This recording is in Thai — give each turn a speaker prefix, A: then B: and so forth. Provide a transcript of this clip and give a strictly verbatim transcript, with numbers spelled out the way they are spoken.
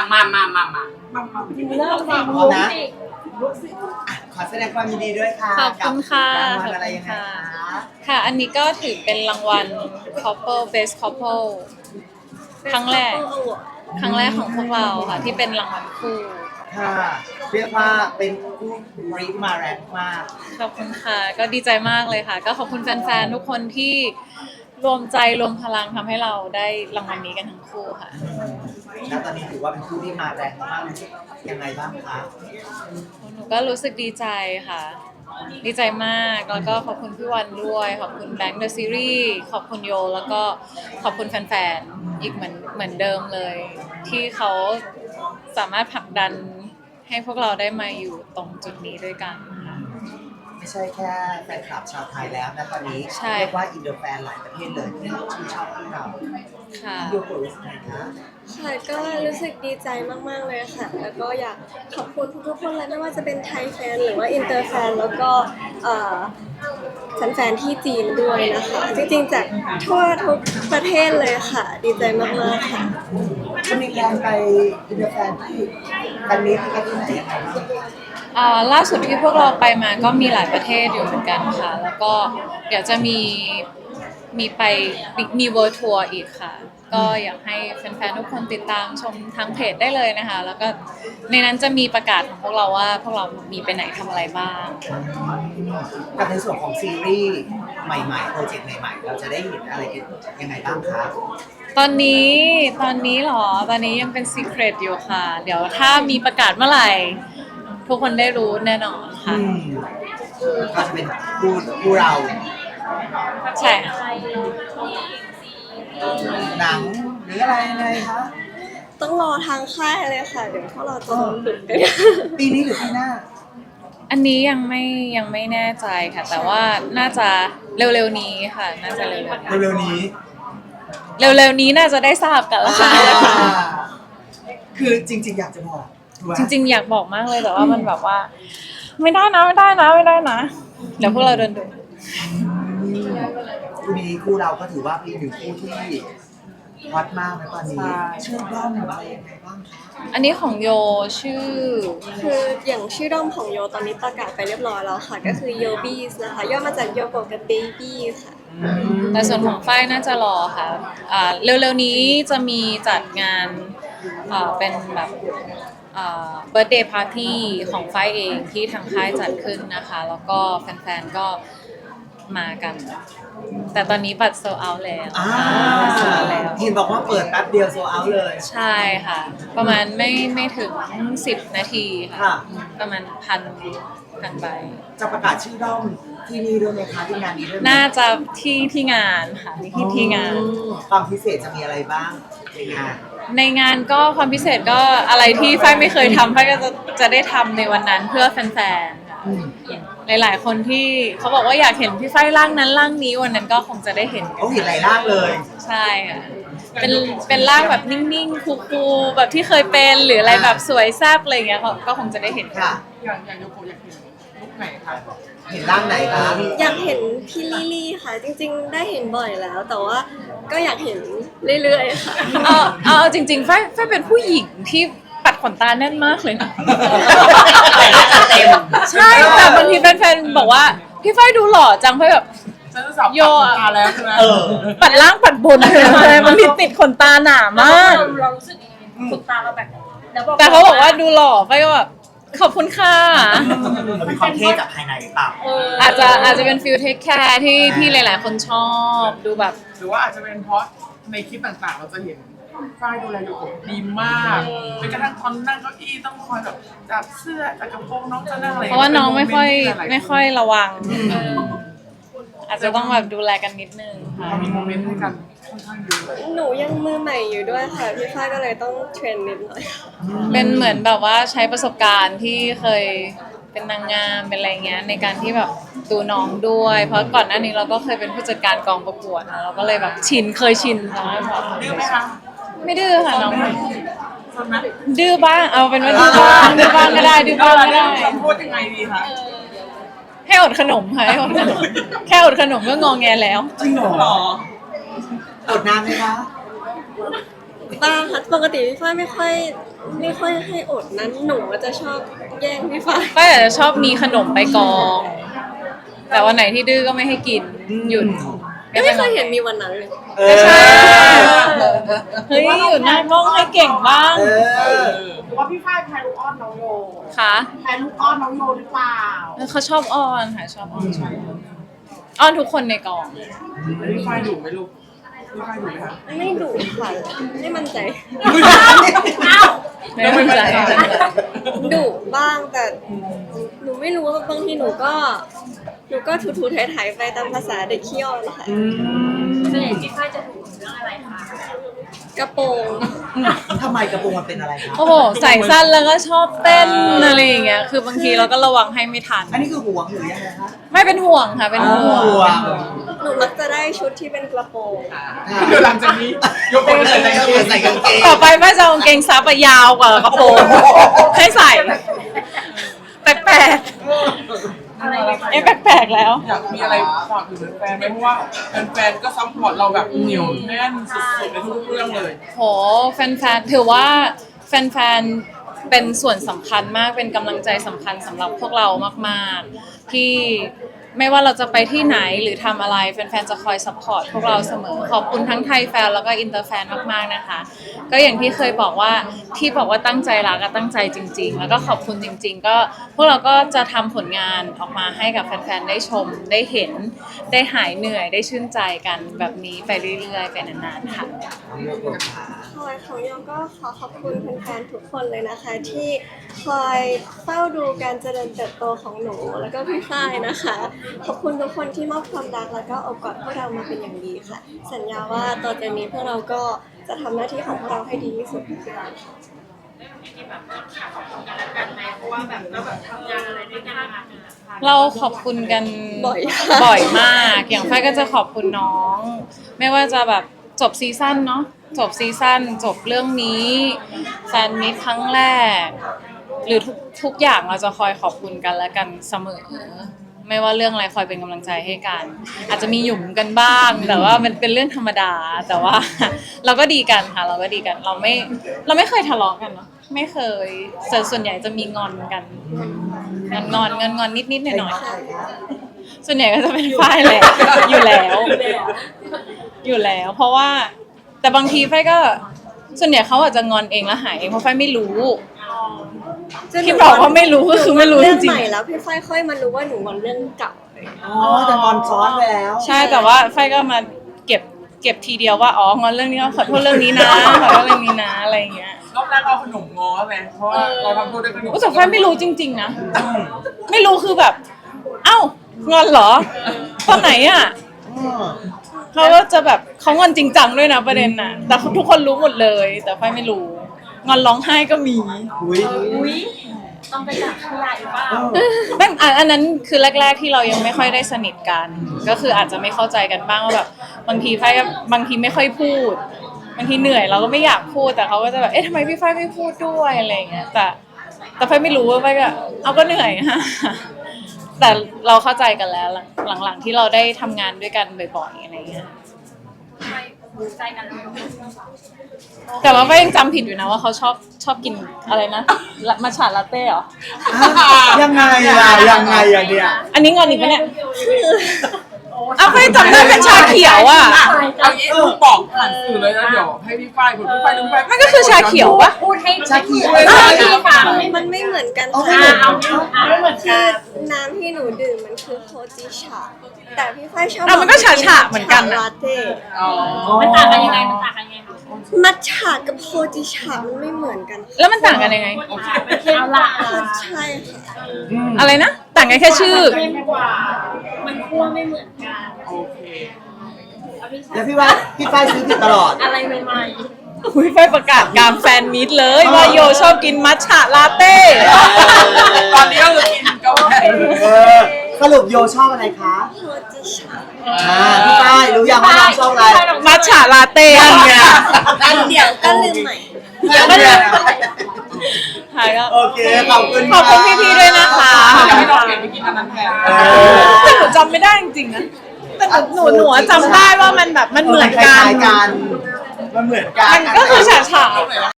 A: มามามามามามา
B: เริ่ม
C: พร้อมนะอ่ะขอแสดงความยินดีด้วยค่ะ
B: ขอบคุณค่ะ
C: กับรางวัลอะไรยังไงคะ
B: ค่ะ อันนี้ก็ถือเป็นรางวัล couple best couple ครั้งแรก ครั้งแรกของพวกเราค่ะที่เป็นรางวัลคู่
C: ค่ะเรียกว่าเป็นผู้บริมาแรงมาก
B: ขอบคุณค่ะ ก็ดีใจมากเลยค่ะ ก็ขอบคุณแฟนๆ ทุกคนที่รวมใจรวมพลังทำให้เราได้รางวัลนี้กันทั้งคู่ค่ะ
C: แล้วตอนนี้ถือว่าเป็นผู้ที่มาแรงมากยังไงบ้างคะ
B: หนูก็รู้สึกดีใจค่ะ ดีใจมาก แล้วก็ขอบคุณพี่วันด้วย ขอบคุณแบงค์เดอะซีรีส์ขอบคุณโย แล้วก็ขอบคุณแฟนๆ อีกเหมือนเหมือนเดิมเลย ที่เขาสามารถผลักดันให้พวกเราได้มาอยู่ตรงจุดนี้ด้วยกันค่ะ
C: ไม่ใช่แค่แฟนคลับชาวไทยแล้วนะตอนนี้
B: ใช่
C: เรียกว่าอินเตอร์แฟนหลายประเทศเลยที่ชื่นชอบพวกเรา
B: ค่ะ
C: โยโกะรู้สึกไงคะ
D: ค่ะก็รู้สึกดีใจมากๆเลยค่ะ แล้วก็อยากขอบคุณทุกๆคนเลยไม่ว่าจะเป็นไทยแฟนหรือว่าอินเตอร์แฟนแล้วก็เอ่อแฟนๆที่จีนด้วยนะคะ จริงๆจากทั่วทุกประเทศเลยค่ะ ดีใจมากๆค่ะ
C: จะมีการไปอินเตอร์แฟนที่กันนี้ที่กันที่ไหนยังไงบ้าง
B: อ่าล่าสุดที่พวกเราไปมาก็มีหลายประเทศอยู่เหมือนกันค่ะ แล้วก็เดี๋ยวจะมีมีไปมีเวิร์ทัวร์อีกค่ะ ก็อยากให้แฟนๆทุกคนติดตามชมทางเพจได้เลยนะคะ แล้วก็ในนั้นจะมีประกาศของพวกเราว่าพวกเรามีไปไหนทำอะไรบ้าง
C: กับในส่วนของซีรีส์ใหม่ๆโปรเจกต์ใหม่ๆเราจะได้เห็นอะไรกันยังไงบ้างคะ
B: ตอนนี้ตอนนี้เหรอ ตอนนี้ยังเป็น secret อยู่ค่ะ เดี๋ยวถ้ามีประกาศเมื่อไหร่ ทุกคนได้รู้แน่นอนค่ะ
C: อืมก็จะเป็นผู้ผู้เรา
B: ใช่ค่ะ
C: หนังหรืออะไรยังไงคะ
D: ต้องรอทางค่ายเลยค่ะ เดี๋ยวพวกเราจะโดนดุกัน
C: ปีนี้หรือปีหน้า
B: อันนี้ยังไม่ยังไม่แน่ใจค่ะ แต่ว่าน่าจะเร็วๆนี้ค่ะ น่าจะเร็วๆนี้
C: เร็วๆนี้
B: เร็วๆนี้น่าจะได้ทราบกันแล้วค่ะ
C: คือจริงๆอยากจะบอกถูกไหม
B: จริงๆอยากบอกมากเลยแต่ว่ามันแบบว่า ไม่ได้นะไม่ได้นะไม่ได้นะเดี๋ยวพวกเราโดนดุ
C: คู่นี้คู่เราก็ถือว่าเป็นหนึ่งคู่ที่ฮอตมากนะตอนนี้ชื่อด้อมอะไรยังไงบ้างคะ
B: อันนี้ของโยชื่อ
D: คืออย่างชื่อด้อมของโยตอนนี้ประกาศไปเรียบร้อยแล้วค่ะ ก็คือโยบี้นะคะย่อมาจากโยโกะกับเบบี้ค่ะ
B: แต่ส่วนของฝ้ายน่าจะรอค่ะอ่าเร็วๆนี้จะมีจัดงานอ่าเป็นแบบเบิร์ธเดย์พาร์ตี้ของฝ้ายเองที่ทางค่ายจัดขึ้นนะคะ แล้วก็แฟนๆก็มากัน แต่ตอนนี้บัตรโซเอาแล้ว
C: อ่า
B: โซเอาแล้ว
C: เห็นบอกว่าเปิดแป๊บเดียวโซเอาเลย
B: ใช่ค่ะ ประมาณไม่ไม่ถึงสิบนาทีค่ะ
C: ค่ะ
B: ประมาณพันพันใบ
C: จะประกาศชื่อด้อมที่นี่ด้วยไหมคะที่งานนี้ด้วยไหม
B: น่าจะที่ที่งานค่ะที่ที่งาน
C: ความพิเศษจะมีอะไรบ้างในงาน
B: ในงานก็ความพิเศษก็อะไรที่ฝ้ายไม่เคยทำฝ้ายก็จะจะได้ทำในวันนั้นเพื่อแฟนๆค่ะหลายๆคนที่เขาบอกว่าอยากเห็นพี่ฝ้ายร่างนั้นร่างนี้วันนั้นก็คงจะได้เห็น
C: เขาเห็นหลายร่างเลย
B: ใช่ค่ะเป็นเป็นร่างแบบนิ่งๆคูลๆแบบที่เคยเป็นหรืออะไรแบบสวยแซ่บอะไรอย่างเงี้ยก็ก็คงจะได้เห็น
C: ค่ะ
A: อย่างอย่างโยโกะอยากเห็นลุคไหนคะ
C: เห็นร่างไหนคะ
D: อยากเห็นพี่ลิลี่ค่ะ จริงๆ ได้เห็นบ่อยแล้ว แต่ว่าก็อยากเห็นเรื่อยๆค่ะ
B: เอาเอาจริงๆฝ้ายฝ้ายเป็นผู้หญิงที่ปัดขนตาแน่นมากเลยนะ
C: เต็ม
B: ใช่แต่บางทีแฟนๆบอกว่าพี่ฝ้ายดูหล่อจังฝ้ายแบบ
A: ฉันจะสับ
B: โยอะ
A: ตาแล้วใช่ไหม
C: เออ
B: ปัดล่างปัดบนเลยบางทีติดขนตาหนามาก
E: เรารู้สึกยังไงขนตาเราแบบแล้ว
B: แต่เขาบอกว่าดูหล่อฝ้ายก็แบบขอบคุณค่ะ
C: มันมีความเท่จากภายในหรือเปล่า
E: เออ
B: อาจจะอาจจะเป็นฟิลเทคแคร์ที่ที่หลายๆคนชอบดูแบบ
A: หรือว่าอาจจะเป็นเพราะในคลิปต่างๆ เราจะเห็นฝ้ายดูแลโยโกะดีมากจนกระทั่งตอนนั่งเก้าอี้ต้องคอยแบบจับเสื้อจับกระโปรงน้องจะนั่งอะไร
B: เพราะว่าน้องไม่ค่อยไม่ค่อยระวัง
C: อืม
B: อาจจะต้องแบบดูแลกันนิดนึงค่ะ
A: เรามีโมเมนต์ให้กันค่อนข้างเยอะ
D: หนูยังมือใหม่อยู่ด้วยค่ะ พี่ฝ้ายก็เลยต้องเทรนนิดหน่อย
B: เป็นเหมือนแบบว่าใช้ประสบการณ์ที่เคยเป็นนางงามเป็นอะไรเงี้ยในการที่แบบดูน้องด้วย เพราะก่อนหน้านี้เราก็เคยเป็นผู้จัดการกองประกวดนะเราก็เลยแบบชินเคยชินใช่ไหมแบบ
A: ดื้อไหมคะ
B: ไม่ดื้อค่ะน้อง
A: สนไหม
B: ดื้อบ้างเอาเป็นว่าดื้อบ้างดื้อบ้างก็ได้ดื้อบ้างก็ได้
A: คำพูดยังไงดีคะ
B: ให้อดขนมค่ะให้อดขนมแค่อดขนมก็งอแงแล้ว
C: จริงเหรอ
A: หรอ
C: อดนานไหมคะ
D: บ้างค่ะปกติพี่ฝ้ายไม่ค่อยไม่ค่อยให้อดนั้นหนูจะชอบแย่งพี่ฟ้า
B: ฝ้ายอาจจะชอบมีขนมไปกอง แต่วันไหนที่ดื้อก็ไม่ให้กินหยุด
D: ไม่เคยเห็นมีวันนั้นเลย
C: เออ
B: ใช่ เฮ้ยอยู่หน้ากล้องให้เก่งบ้าง
C: เออ
A: หรือว่าพี่ฝ้ายแพ้ลูกอ้อนน้องโย
B: ค่ะ
A: แพ้ลูกอ้อนน้องโยหรือเปล่า
B: เขาชอบอ้อนค่ะชอบอ้อนชอบอ้อนอ้อนทุกคนในกอง
A: แล้วพี่ฝ้ายดุไหมลูกพี่ฝ้ายดุไหมคะ
D: ไม่ดุค่ะไม่มั่นใจ
B: ไม่เป็นไร
D: ดุบ้างแต่หนูไม่รู้ว่าบางทีหนูก็หนูก็ถูๆไถๆไปตามภาษาเด็กเขี้ยวนะคะ
E: ส่วนใหญ่พี่ฝ้ายจะถูกเรื่องอะไรคะ
D: กระโปรง
C: ทำไมกระโปรงมันเป็นอะไรครับ
B: โอ้โหใส่สั้นแล้วก็ชอบเต้นอะไรอย่างเงี้ยคือบางทีเราก็ระวังให้ไม่ทัน
C: อันนี้คือห่วงหรือยังไงคะ
B: ไม่เป็นห่วงค่ะเป็นห่วง
C: ห่วง
D: หนูมักจะได้ชุดที่เป็นกระโปรง
A: เดี๋ยวหลังจากนี้ยกเป็นใส่กางเกง
C: ใส่กางเกง
B: ต่อไปแม่จะเอากางเกงซับอะยาวกว่ากระโปรงให้ใส่แปลกๆ
E: อะไรแบบ
B: เอ๊ะแปลกๆแล้ว
A: อยากมีอะไรฝากถึงแฟนไหมเพราะว่าแฟนๆก็ซัพพอร์ตเราแบบเหนียวแน่นสุดๆในทุกๆเรื่องเลย
B: โหแฟนๆถือว่าแฟนๆเป็นส่วนสำคัญมากเป็นกำลังใจสำคัญสำหรับพวกเรามากๆที่ไม่ว่าเราจะไปที่ไหนหรือทำอะไรแฟนๆจะคอยซัพพอร์ตพวกเราเสมอขอบคุณทั้งไทยแฟนแล้วก็อินเตอร์แฟนมากๆนะคะ ก็อย่างที่เคยบอกว่าที่บอกว่าตั้งใจรักก็ตั้งใจจริง ๆ แล้วก็ขอบคุณจริง ๆ ก็พวกเราก็จะทำผลงานออกมาให้กับแฟนๆได้ชมได้เห็นได้หายเหนื่อยได้ชื่นใจกันแบบนี้ไปเรื่อยๆไปนานๆค่ะ
D: คอยของโยก็ขอขอบคุณแฟนๆทุกคนเลยนะคะ ที่คอยเฝ้าดูการเจริญเติบโตของหนูแล้วก็พี่ฝ้ายนะคะ ขอบคุณทุกคนที่มอบความรักแล้วก็อบกอดพวกเรามาเป็นอย่างดีค่ะ สัญญาว่าต่อจากนี้พวกเราก็จะทำหน้าที่ของพวกเราให้ดีที่สุดที่เราค่ะ
E: ที่แบบขอบคุณกันและกันไหมเพราะว่าแบบเราแบบทำงานอะไรด้วยกันมา
B: เราขอบคุณกัน
D: บ่อย
B: บ่อยมาก อย่างฝ้ายก็จะขอบคุณน้อง ไม่ว่าจะแบบจบซีซั่นเนาะ จบซีซั่นจบเรื่องนี้แฟนมิตครั้งแรก หรือทุกทุกอย่างเราจะคอยขอบคุณกันและกันเสมอ ไม่ว่าเรื่องอะไรคอยเป็นกำลังใจให้กัน อาจจะมีหยุ่มกันบ้าง แต่ว่ามันเป็นเรื่องธรรมดา แต่ว่า เราก็ดีกันค่ะ เราก็ดีกัน เราไม่เราไม่เคยทะเลาะกันเนาะ ไม่เคยส่วนส่วนใหญ่จะมีงอนกัน งอนงอนงอนงอนนิดนิดหน่อยหน่อยๆส่วนใหญ่ก็จะเป็นฝ้ายแหละอยู่แล้ว อยู่แล้ว เพราะว่าแต่บางทีฝ้ายก็ส่วนใหญ่เขาอาจจะงอนเองแล้วหายเองเพราะฝ้ายไม่รู้ ที่บอกว่าไม่รู้ก็คือไม่รู้จริงๆ
D: เรื่องใหม่แล้วพี่ฝ้ายค่อยมารู้ว่าหนูงอนเรื่องเก่า
C: อ๋อแต่งอนซ้อนไปแล้ว
B: ใช่แต่ว่าฝ้ายก็มาเก็บเก็บทีเดียวว่าอ๋องอนเรื่องนี้ก็ขอโทษเรื่องนี้นะขอโทษเรื่องนี้นะอะไรอย่างเงี้ย
A: รอบแรกเอาขนมง้อไหมเพราะว่าเราทำโทษด้วยขนม
B: แต่ฝ้ายไม่รู้จริง ๆนะไม่รู้คือแบบ เอ้างอนเหรอตอนไหนอ่ะ
C: อืม
B: เขาก็จะแบบเขางอนจริงจังด้วยนะประเด็นน่ะ แต่ทุกคนรู้หมดเลย แต่ฝ้ายไม่รู้งอนร้องไห้ก็มี
C: อุ้ย
E: อุ้ยต้องไปจับขยะหรือเปล่า
B: ไม่อันอันนั้นคือแรก ๆที่เรายังไม่ค่อยได้สนิทกัน ก็คืออาจจะไม่เข้าใจกันบ้างว่าแบบบางทีฝ้ายก็บางทีไม่ค่อยพูดบางทีเหนื่อยเราก็ไม่อยากพูดแต่เขาก็จะแบบเอ๊ะทำไมพี่ฝ้ายไม่พูดด้วยอะไรอย่างเงี้ยแต่แต่ฝ้ายไม่รู้ว่าฝ้ายก็เอาก็เหนื่อยฮะแต่เราเข้าใจกันแล้วหลังหลังๆที่เราได้ทำงานด้วยกันบ่อยๆอะไรอย่างเงี้ย
E: ไม่รู้ใจกันเลย
B: แต่ว่าก็ยังจำผิดอยู่นะว่าเขาชอบชอบกินอะไรนะมัทฉะลาเต้เหรอ
C: ยังไงล่ะยังไงอะเนี่ย
B: อันนี้งอนอีกปะเนี่ยอ้าวไม่จำได้เป็นชาเขียวอ่ะ
A: เอางี้ลูกบอกผ่านสื่อเลยนะเดี๋ยวให้พี่ฝ้ายคุณพี่ฝ้ายดูพี่ฝ้าย
B: มันก็คือชาเขียวปะ
E: พูดให้
C: ชาเขียว
E: ชาเขียวฟัง
D: มันไม่เหมือนกัน
C: เอาไม่
D: ค่ะ
C: เหมือน
E: เอาไม่เหมือน
D: คื
E: กั
D: อน น้ำที่หนูดื่มมันคือโคจิชาแต่พี่ฝ้ายชอบ
B: อ่ะมันก็ฉะๆเหมือนกันนะ
D: ลาเต้
A: อ๋อ
E: มันต่างกันยังไงมันต่างกันยังไง
D: มัทฉะกับโคจิชามันไม่เหมือนกันค่ะ
B: แล้วมันต่างกันยังไง
E: เอาละ
D: ใช่ค่ะ
B: อะไรนะ ต่างกันแค่ชื่อ
E: เข้มกว่า มันคั่วไม่เหมือนกัน
A: โอเค
C: แล้วพี่ว่าพี่ฝ้ายซื้อผิดตลอด
E: อะไรใหม่
B: คุยไฟประกาศกลารแฟนมิตเลยว่าโยชอบกินมัทฉะลาเต้
A: ตอนนี้ก็คือกินกาแฟ
C: เออสรุปโยชอบอะไรคะ
D: โคจิชา
C: อ่าพี่ฝ้ายรู้ยังว่าน้องชอบอะไร
B: มัทฉะลาเต้อันเนี้ย
A: อันเดียว
D: ก็ลืมใหม่
B: หายแล้ว
C: โอเคขอบคุณ
B: ขอบคุณพี่ๆด้วยนะคะ
A: อยากให้น้องเปลี่ยนไปกินอันนั้นแทน
C: เออ
B: แต่หนูจำไม่ได้จริงๆนะแต่หนูหนูจำได้ว่ามันแบบมันเหมือน
C: ค
B: กั
C: ล้าน ยๆกันมันเหมือนกัน
B: มันก็คือฉะๆ